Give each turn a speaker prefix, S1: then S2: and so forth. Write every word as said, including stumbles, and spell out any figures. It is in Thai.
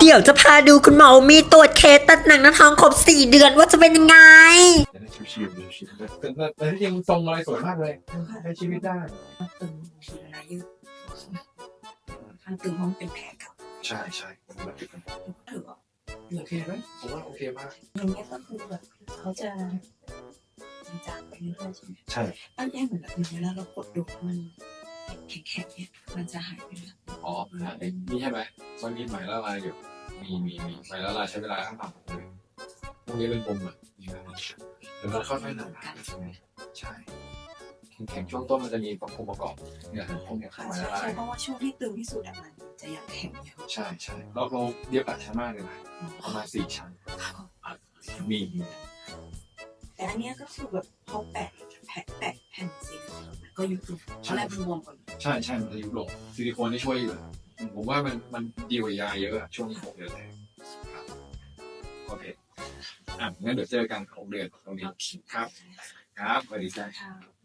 S1: เดี๋ยวจะพาดูคุณหมอมีตรวจเคสตัดหนังหน้าท้องครบสี่เดือนว่าจะเป็นยังไง
S2: จะได้ชิวๆชิวๆแต่แต่แต่ที่จริงทรงอะไรสวยมากเลยใช้ชีวิตได้
S3: ตึงทีละยืดข้างตึงเพราะมันเป็นแผลเก่า
S2: ใช่ใช่ผมแบบนี้
S3: ถือว่า
S2: โอเคไหมผมว่าโอเคมาก
S3: อย่างเงี้ยก็คือแบบเขาจะมันจางไปเรื่อยๆใช่ไหม
S2: ใช่
S3: อันนี้เหมือนแบบเวลาเรากดดูมันแข็งๆเนี่ยมันจะหายไปเลย
S2: อ๋อนี่ใช่ไหมมันมีไหมละลายอยู่มีมีมีไหมละลายใช้เวลาข้างต่ำเลยพวกนี้เป็นปมอ่ะแล้วมันค่อยๆหนาใช่ไหมใช่แข็งๆช่วงต้นมันจะมีองค์ประกอบเนี่ยพวกนี้
S3: ค่ะ
S2: ไหม
S3: ใช่
S2: ละลาย
S3: ใช่เพราะว่าช่วงที่ตึงที่สุดอะมันจะอยากแข็งเยอะ
S2: ใช่ใช่เราเราเย็บอัดชั้นมากเลยนะประมาณสี่ชั้นมีมี
S3: แต่อันเนี้ยก็คือแบบเขาแปะแผลแปะแผ่นซีลิโคนก็ยุบลงตอนแรกมันบวมก่อน
S2: ใช่ใช่มันจะยุบลงซิลิโคนที่ช่วยอยู่ผมว่ามันมันดีกว่ายาเยอะอะช่วงหกเดือนแรกครับโอเคอ่ะงั้นเดี๋ยวเจอกันหกเดือนตรงนี้ครับครับสวัสดีจ้า